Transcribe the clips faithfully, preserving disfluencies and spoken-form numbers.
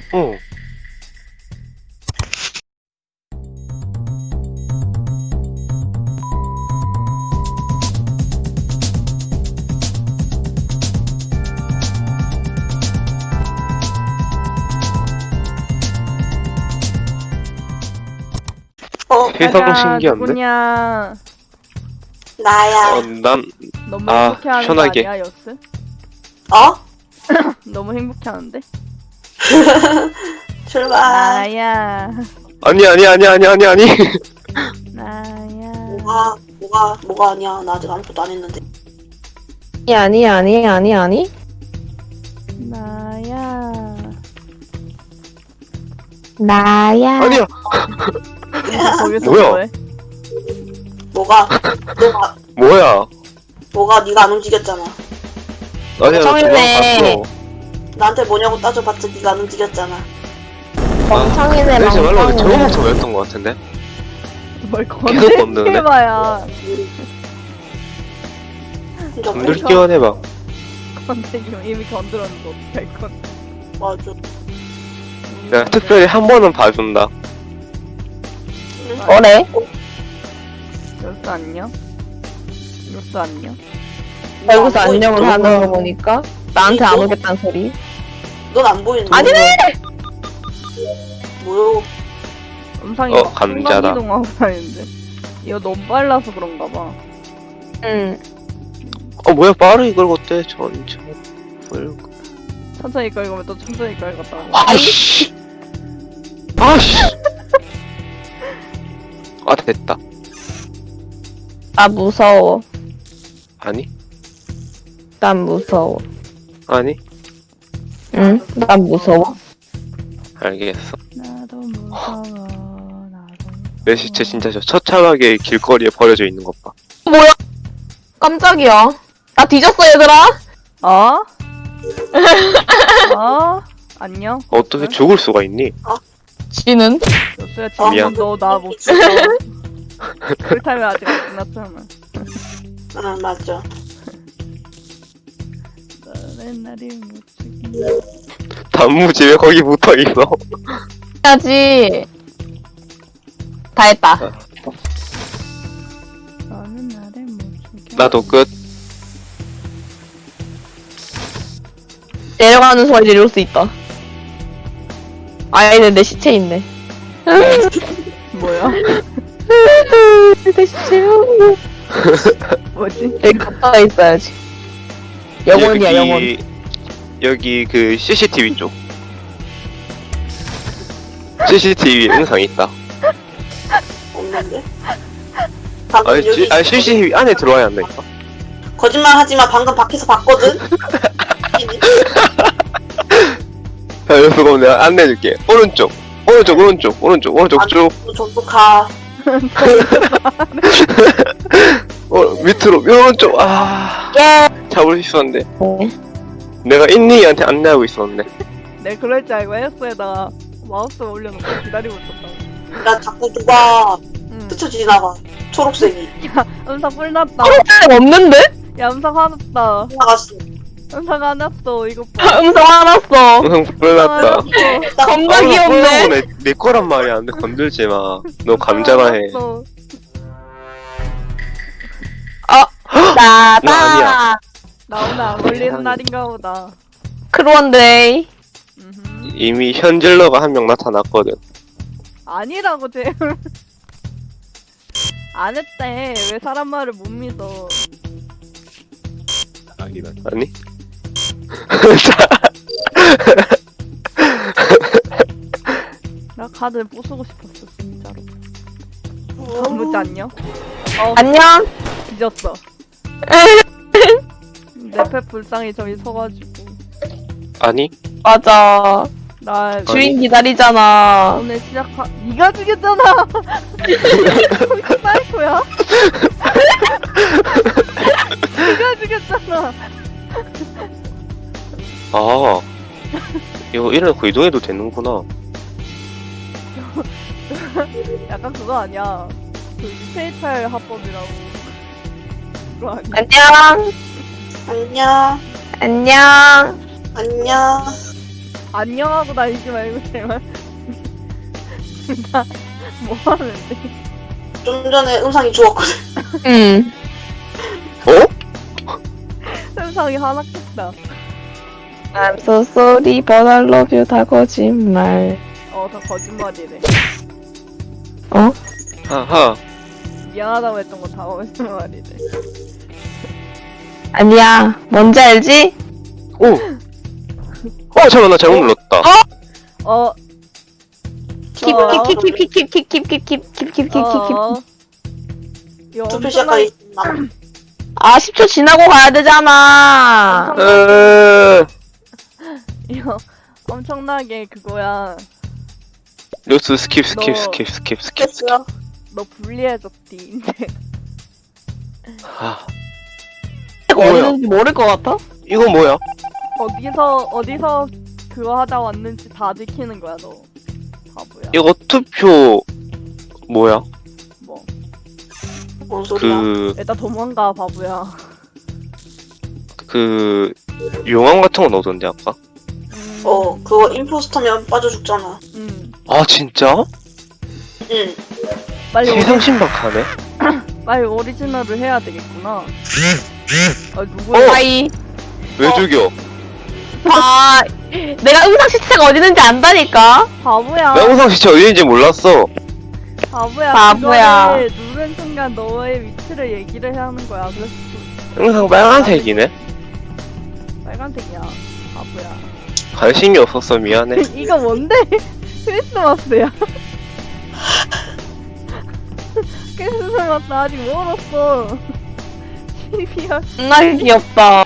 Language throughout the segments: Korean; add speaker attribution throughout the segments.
Speaker 1: 어.
Speaker 2: 어,
Speaker 1: 세상 신기한데?
Speaker 3: 누구냐?
Speaker 2: 나야.
Speaker 1: 어, 난,
Speaker 3: 너무
Speaker 1: 아,
Speaker 3: 행복해하는
Speaker 1: 편하게.
Speaker 3: 거 아니야, 여스?
Speaker 2: 어?
Speaker 3: 너무 행복해하는데?
Speaker 2: 출발.
Speaker 3: 나야,
Speaker 1: 아니, 아니, 아니, 아니, 아니, 아니.
Speaker 3: 나야.
Speaker 2: 뭐가, 뭐가, 뭐가 아니야. 나 아직 아무것도 안 했는데.
Speaker 4: 아니 아니 아니 아니
Speaker 3: 나야.
Speaker 4: 나야.
Speaker 1: 아니야.
Speaker 3: 거기서
Speaker 1: 뭐야?
Speaker 3: 뭐해?
Speaker 2: 뭐가, 너가,
Speaker 1: 뭐야.
Speaker 2: 뭐가 네가 안 움직였잖아.
Speaker 1: 아니야, 나
Speaker 4: 정이네.
Speaker 1: 도망갔어.
Speaker 2: 나한테 뭐냐고 따져봤자 네가 안 움직였잖아.
Speaker 4: 멍청이네
Speaker 1: 내지 말라고
Speaker 4: 멍청이.
Speaker 1: 저거부터 왜였던 것 같은데?
Speaker 3: 뭘
Speaker 1: 계속 건드네.
Speaker 3: 건들해봐야.
Speaker 2: 진짜
Speaker 1: 건들
Speaker 2: 뭐,
Speaker 1: 끼워내봐.
Speaker 3: 건들기면 이미 건드렸는데 어떻게 할 건?
Speaker 2: 맞아.
Speaker 1: 내가 특별히 한 번은 봐준다.
Speaker 4: 뭐래?
Speaker 3: 여스 안녕? 여스 안녕?
Speaker 4: 여기서
Speaker 2: 안 보이-
Speaker 4: 안녕을 하는 거 보니까 나한테 안 오겠다는 소리.
Speaker 2: 넌안 보이는데.
Speaker 4: 아니네.
Speaker 2: 뭐요?
Speaker 3: 음상이
Speaker 1: 어,
Speaker 3: 막
Speaker 1: 감자다.
Speaker 3: 순간이동하고 다니는데. 이거 너무 빨라서 그런가 봐.
Speaker 4: 응.
Speaker 1: 어, 뭐야, 빠르게 긁었대. 천천히 긁고.
Speaker 3: 천천히 끌고면 또 천천히 끌었다고.
Speaker 1: 아이씨. 아씨. 아, 됐다.
Speaker 4: 나 무서워.
Speaker 1: 아니?
Speaker 4: 난 무서워.
Speaker 1: 아니?
Speaker 4: 응? 난 무서워.
Speaker 1: 알겠어.
Speaker 3: 나도 무서워. 나도.
Speaker 1: 내 시체 진짜 저 처참하게 길거리에 버려져 있는 것 봐.
Speaker 4: 뭐야? 깜짝이야. 나 뒤졌어 얘들아.
Speaker 3: 어? 어? 안녕?
Speaker 1: 어떻게 죽을 수가 있니?
Speaker 4: 지는?
Speaker 3: 여수야
Speaker 2: 어,
Speaker 1: 미안.
Speaker 3: 지금 너 나 못 죽여. 쿨타임이 아직 안 끝났잖아.
Speaker 2: 응, 맞아.
Speaker 3: 너는 나를 못 죽여.
Speaker 1: 단무지 왜 거기 붙어 있어?
Speaker 4: 해야지. 다 했다.
Speaker 3: 너는 나를 못 죽여.
Speaker 1: 나도 끝.
Speaker 4: 내려가는 소리 들을 수 있다. 아이는 내 시체 있네.
Speaker 3: 뭐야?
Speaker 4: 내 시체.
Speaker 3: 뭐지?
Speaker 4: 여기 가까이 있어야지. 영혼이야
Speaker 1: 여기,
Speaker 4: 영혼.
Speaker 1: 여기 그 씨씨티비 쪽. 씨씨티비 영상 있다.
Speaker 2: 없는데? 방금
Speaker 1: 아니,
Speaker 2: 여기
Speaker 1: 지, 아니 씨씨티비 안에 들어와야 한다니까.
Speaker 2: 거짓말 하지마. 방금 밖에서 봤거든?
Speaker 1: 자, 여기서 그럼 내가 안내해줄게. 오른쪽, 오른쪽, 오른쪽, 오른쪽, 오른쪽
Speaker 2: 아,
Speaker 1: 쭉.
Speaker 2: 저도 가.
Speaker 1: 어, 밑으로, 오른쪽. 아,
Speaker 4: 예.
Speaker 1: 잡을 수 있었는데.
Speaker 4: 네.
Speaker 1: 내가 인니한테 안내하고 있었는데.
Speaker 3: 내 그럴 줄 알고 헬스에다가 마우스 올려놓고 기다리고 있었다고.
Speaker 2: 나 자꾸 누가
Speaker 3: 응.
Speaker 2: 스쳐 지나가. 초록색이.
Speaker 3: 음상 뿔났다.
Speaker 4: 초록색 없는데?
Speaker 3: 야 음상 화났다.
Speaker 2: 지나갔어.
Speaker 3: 음상 화났어. 이거 봐.
Speaker 4: 음성 화났어.
Speaker 1: 응, 불났다.
Speaker 2: 나
Speaker 4: 겁나 귀엽네.
Speaker 1: 내, 내 거란 말이야. 근데 건들지 마. 너 감자나 해.
Speaker 4: 나다.
Speaker 1: 나 아니야.
Speaker 3: 나 오늘 안 걸리는
Speaker 1: 세상에.
Speaker 3: 날인가 보다.
Speaker 4: 크루원데이.
Speaker 3: 음흠.
Speaker 1: 이미 현질러가 한 명 나타났거든.
Speaker 3: 아니라고 쟤. 안 했대. 왜 사람 말을 못 믿어?
Speaker 1: 아니?
Speaker 3: 나 카드 부수고 싶었어 진짜로.
Speaker 2: 어,
Speaker 3: 아무지 안녕? 어
Speaker 4: 안녕.
Speaker 3: 뒤졌어. 내패 불쌍히 저기 서가지고
Speaker 1: 아니?
Speaker 4: 맞아.
Speaker 3: 나
Speaker 4: 주인 기다리잖아.
Speaker 3: 오늘 시작하. 네가 죽였잖아. 사이코야? 네가 죽였잖아.
Speaker 1: 아, 이거 이래놓고 이동해도 되는구나.
Speaker 3: 약간 그거 아니야. 그 페이팔 합법이라고. 그거 아니야?
Speaker 4: 안녕.
Speaker 2: 안녕.
Speaker 4: 안녕.
Speaker 2: 안녕.
Speaker 3: 안녕하고 다니지 말고 제발. 나 뭐하는데?
Speaker 2: 좀 전에 음상이 죽었거든.
Speaker 4: 응.
Speaker 1: 어?
Speaker 3: 세상이 하나겠다.
Speaker 4: I'm so sorry, but I love you. 다 거짓말.
Speaker 3: 어, 다 거짓말이래.
Speaker 4: 어?
Speaker 1: 하하.
Speaker 3: 미안하다고 했던 거 다 거짓말이래.
Speaker 4: 아니야. 뭔지 알지?
Speaker 1: 오. 어 잠깐 나 잘못 눌렀다.
Speaker 3: 어,
Speaker 4: 킵킵킵킵킵킵킵킵킵킵킵킵킵킵.
Speaker 3: 어. 이거
Speaker 2: 투표 시작까지 있나?
Speaker 4: 아, 십 초 지나고 가야 되잖아.
Speaker 1: 으.
Speaker 3: 이거 엄청나게 그거야.
Speaker 1: 뉴스 스킵 스킵
Speaker 3: 너-
Speaker 1: 스킵 스킵 스킵.
Speaker 2: 됐어요.
Speaker 3: 너 불리해졌디. 이제.
Speaker 1: 아
Speaker 4: 이거
Speaker 1: 뭐야?
Speaker 4: 어디는지 모를 것 같아?
Speaker 1: 이건 뭐야?
Speaker 3: 어디서 어디서 그거 하다 왔는지 다 들키는 거야 너. 바보야.
Speaker 1: 이거 투표 뭐야?
Speaker 3: 뭐.
Speaker 2: 뭔 소리야?
Speaker 1: 그
Speaker 3: 일단 도망가 바보야.
Speaker 1: 그 용암 같은 거 넣어던데 아까?
Speaker 3: 음,
Speaker 2: 어, 그거 임포스터면 빠져 죽잖아.
Speaker 3: 음.
Speaker 1: 아 진짜?
Speaker 2: 응.
Speaker 3: 빨리 오리,
Speaker 1: 세상 신박하네.
Speaker 3: 빨리 오리지널을 해야 되겠구나. 아 누구야?
Speaker 4: 아이.
Speaker 1: 왜
Speaker 2: 어.
Speaker 1: 죽여?
Speaker 4: 아, 내가 음상 시체가 어디 있는지 안다니까?
Speaker 3: 바보야.
Speaker 1: 나 영상 시체 어디인지 몰랐어.
Speaker 3: 바보야.
Speaker 4: 바보야.
Speaker 3: 그거를 누른 순간 너의 위치를 얘기를 해야 하는 거야. 그래서
Speaker 1: 영상 빨간색이네.
Speaker 3: 빨간색이야. 바보야.
Speaker 1: 관심이 없었어 미안해.
Speaker 3: 이거 뭔데? 크리스마스야. 크리스마스 아직 멀었어. 십이월.
Speaker 4: 존나 귀엽다.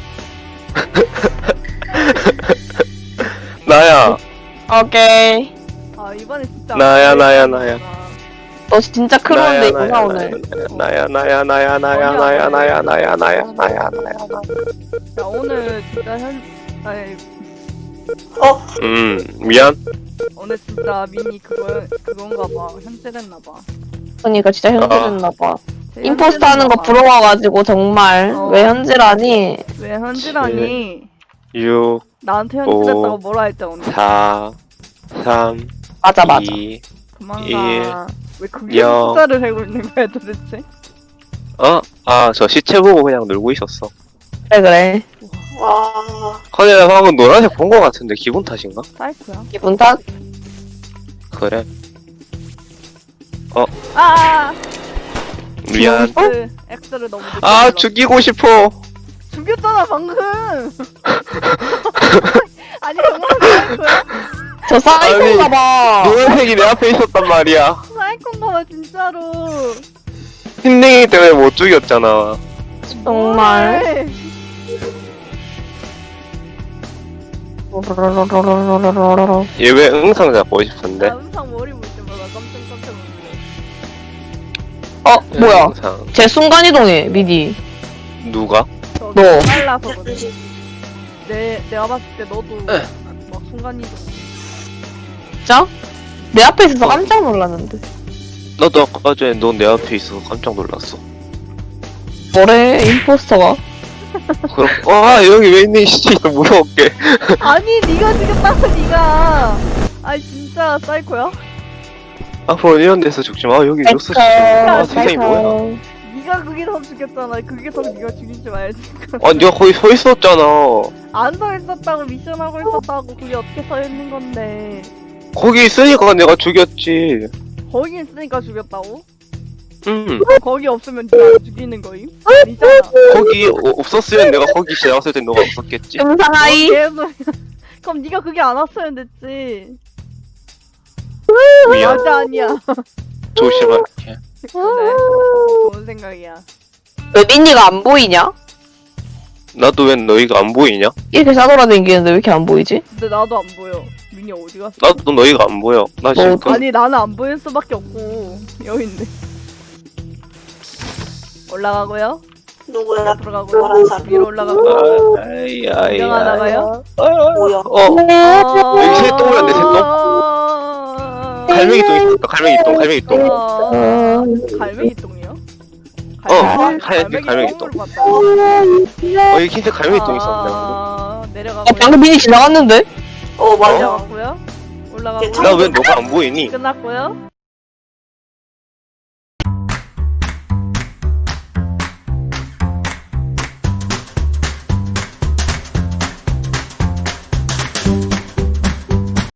Speaker 1: 나야.
Speaker 4: 오케이.
Speaker 3: 아 이번에 진짜.
Speaker 1: 나야, 나야, 나야.
Speaker 4: 너 진짜 크로운데 이거가 오늘.
Speaker 1: 나야 나야 나야 나야 나야 나야 나야 나야 나야 나야.
Speaker 3: 야 오늘 진짜 현. 아니
Speaker 2: 어,
Speaker 1: 음 미안.
Speaker 3: 오늘 진짜 미니 그거 그건가 봐. 현질했나 봐.
Speaker 4: 그러니까 진짜 현질했나봐.
Speaker 3: 제일
Speaker 4: 임포스터 하는 거
Speaker 3: 현질했나 봐.
Speaker 4: 부러워가지고 정말.
Speaker 3: 어.
Speaker 4: 왜 현질하니?
Speaker 3: 왜 현질하니?
Speaker 1: 육
Speaker 3: 나한테 현질했다고
Speaker 1: 오.
Speaker 3: 뭐라 했자 오늘.
Speaker 1: 사 삼
Speaker 4: 맞아, 맞아.
Speaker 1: 이
Speaker 3: 그만
Speaker 1: 일,
Speaker 3: 가. 왜 그게
Speaker 1: 영.
Speaker 3: 숫자를 세고 있는 거야 도대체?
Speaker 1: 어? 아 저 시체 보고 그냥 놀고 있었어.
Speaker 4: 그래, 그래.
Speaker 2: 와.
Speaker 1: 근데 나 방금 노란색 본 거 같은데 기분 탓인가?
Speaker 3: 사이코야.
Speaker 4: 기분 탓?
Speaker 1: 그래
Speaker 3: 아.
Speaker 1: 미안.
Speaker 3: 그 X를 너무 늦게
Speaker 1: 아
Speaker 3: 눌렀어.
Speaker 1: 죽이고 싶어.
Speaker 3: 죽였잖아 방금. 아니 정말 사이코야?
Speaker 4: 저 사이코인가봐.
Speaker 1: 노란색이 내 앞에 있었단 말이야.
Speaker 3: 사이코인가 봐 진짜로.
Speaker 1: 흰냉이 때문에 못 죽였잖아.
Speaker 4: 정말.
Speaker 1: 얘 왜 응상 잡고 싶은데?
Speaker 3: 나 음상 머리 볼 때마다 깜짝 깜짝 놀래.
Speaker 4: 어, 뭐야.
Speaker 1: 응상
Speaker 4: 쟤 순간이동해, 미디.
Speaker 1: 누가?
Speaker 3: 저기
Speaker 4: 너.
Speaker 3: 빨라서 그래. 내 내가 봤을 때 너도 막 순간이동.
Speaker 4: 진짜? 내 앞에 있어서 깜짝 놀랐는데.
Speaker 1: 나도 아까 전에 너 내 앞에 있어서 깜짝 놀랐어.
Speaker 4: 뭐래, 임포스터가.
Speaker 1: 그럼 와 여기 왜 있니 진짜 무서웠게.
Speaker 3: 아니 네가 죽였다고 네가. 아니 진짜 사이코야?
Speaker 1: 앞으로 이런 데서 죽지 마. 여기 뉴스 시체. 아 세상이 뭐야?
Speaker 3: 네가 거기서 죽였잖아. 거기서 네가 죽이지 말지.
Speaker 1: 아 네가 거기 서 있었잖아.
Speaker 3: 안 서 있었다고 미션 하고 있었다고. 그게 어떻게 서 있는 건데?
Speaker 1: 거기 있으니까 내가 죽였지.
Speaker 3: 거기 있으니까 죽였다고?
Speaker 1: 응.
Speaker 3: 거기 없으면 네가 안 죽이는 거임? 아니잖아.
Speaker 1: 거기 어, 없었으면 내가 거기 지나갔을 땐 너가 없었겠지.
Speaker 4: 음상하이.
Speaker 3: 계속. 그럼 네가 그게 안 왔으면 됐지.
Speaker 1: 미안.
Speaker 3: 맞아 아니야.
Speaker 1: 조심할게.
Speaker 3: 그래. 좋은 생각이야.
Speaker 4: 왜 미니가 안 보이냐?
Speaker 1: 나도 왜 너희가 안 보이냐?
Speaker 4: 이렇게 싸돌아다니는데 왜 이렇게 안 보이지?
Speaker 3: 근데 나도 안 보여. 민이 어디 갔어?
Speaker 1: 나도 너희가 안 보여. 나 지금
Speaker 4: 뭐,
Speaker 3: 아니 나는 안 보일 수밖에 없고 여기 있네. 올라가고요.
Speaker 2: 누구야?
Speaker 3: 들어가고요.
Speaker 2: 노란 사람.
Speaker 3: 위로 올라가고.
Speaker 1: 아이 아이
Speaker 3: 구경 하다가요.
Speaker 2: 뭐야?
Speaker 1: 어 여기 새 똥이었네, 새 똥. 갈매기 똥 있었다. 갈매기 똥. 갈매기 똥.
Speaker 3: 어...
Speaker 4: 어,
Speaker 3: 갈매기 똥이요?
Speaker 1: 어, 하얀색 갈매기 똥.
Speaker 3: 똥으로 봤다.
Speaker 1: 어 여기 흰색 갈매기 똥 있었네.
Speaker 3: 아,
Speaker 4: 어,
Speaker 3: 내려가고.
Speaker 4: 방금 미니 지나갔는데?
Speaker 2: 어 맞아.
Speaker 3: 올라갔고요. 올라가고
Speaker 2: 괜찮아.
Speaker 1: 나 왜 너가 안 보이니?
Speaker 3: 끝났고요.